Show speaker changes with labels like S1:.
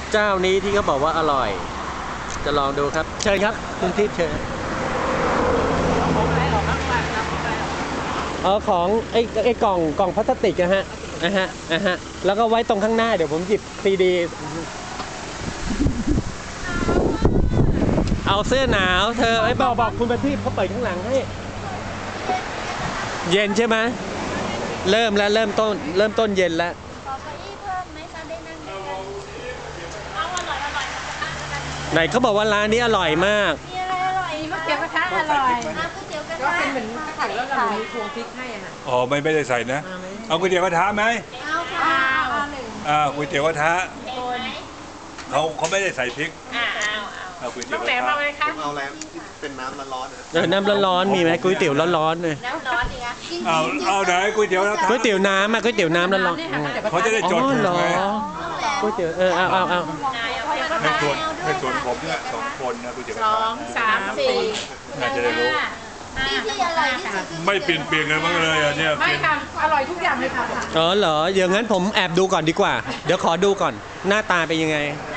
S1: เจ้านี้ที่เขาบอกว่าอร่อยจะลองดูครับเชิญครับคุณทิพย์เชิญของไอ้กล่องพลาสติกนะฮะแล้วก็ไว้ตรงข้างหน้าเดี๋ยวผมหยิบซีดีเอาเสื้อหนาวเธอไอ้บอกคุณประทีปเขาเปิดข้างหลังให้เย็นใช่ไหมเริ่มต้นเย็นแล้ว
S2: ขอเก้าอี้เพิ่มไหมคะได้นั่งด้วยกันเอาอร่อย
S1: ไหนเขาบอกว่าร้านนี้อร่อยมาก
S2: มีอะไรอร่อย
S3: ก๋วยเตี๋ยวกระทะอร่อย
S2: ก๋วยเตี๋ยวกระ
S3: ก็
S2: ทะ
S3: เป็นเหมือนไข่แล้วเรามีพวงพริกให้อ่ะ
S4: อ๋อไม่ได้ใส่นะเอาก๋วยเตี๋ยวกระทะไหม
S2: เอาค่ะ
S4: ก๋วยเตี๋ยวกระทะเขาไม่ได้ใส่พริกเอาก๋วยเตี๋ยวกระทะ
S3: เอาเลยค่ะ
S5: เอาอะไรที่เป็นน้ำร้อนๆนะ
S1: น้ำร้อนๆมีไหมก๋วยเตี๋ยวร้อนๆเลย
S2: น้ำร้อนดีนะ
S4: เอาไหนก๋วยเตี๋ยวกระทะ
S1: ก๋วยเตี๋ยวน้ำก๋วยเตี๋ยวน้ำร้อน
S4: ๆเขาจะได้จดถูกไหม
S1: ก๋วยเตี๋ยวเอา
S4: ให้ส่วนผมเนี่ย2 คนนะก๋วยเตี๋ยวกระทะ
S3: 2 3 4
S4: น่าจะได้รู้
S2: ที่อร่อยที่สุด
S4: ไม่เปลี่ยนกันบ้างเลยอ่ะเนี่ย
S3: ไม่ค่ะอร่อยทุกอย่างเลยค่ะ
S1: อ๋อเหรออย่างนั้นผมแอบดูก่อนดีกว่าเดี๋ยวขอดูก่อนหน้าตาเป็นยังไง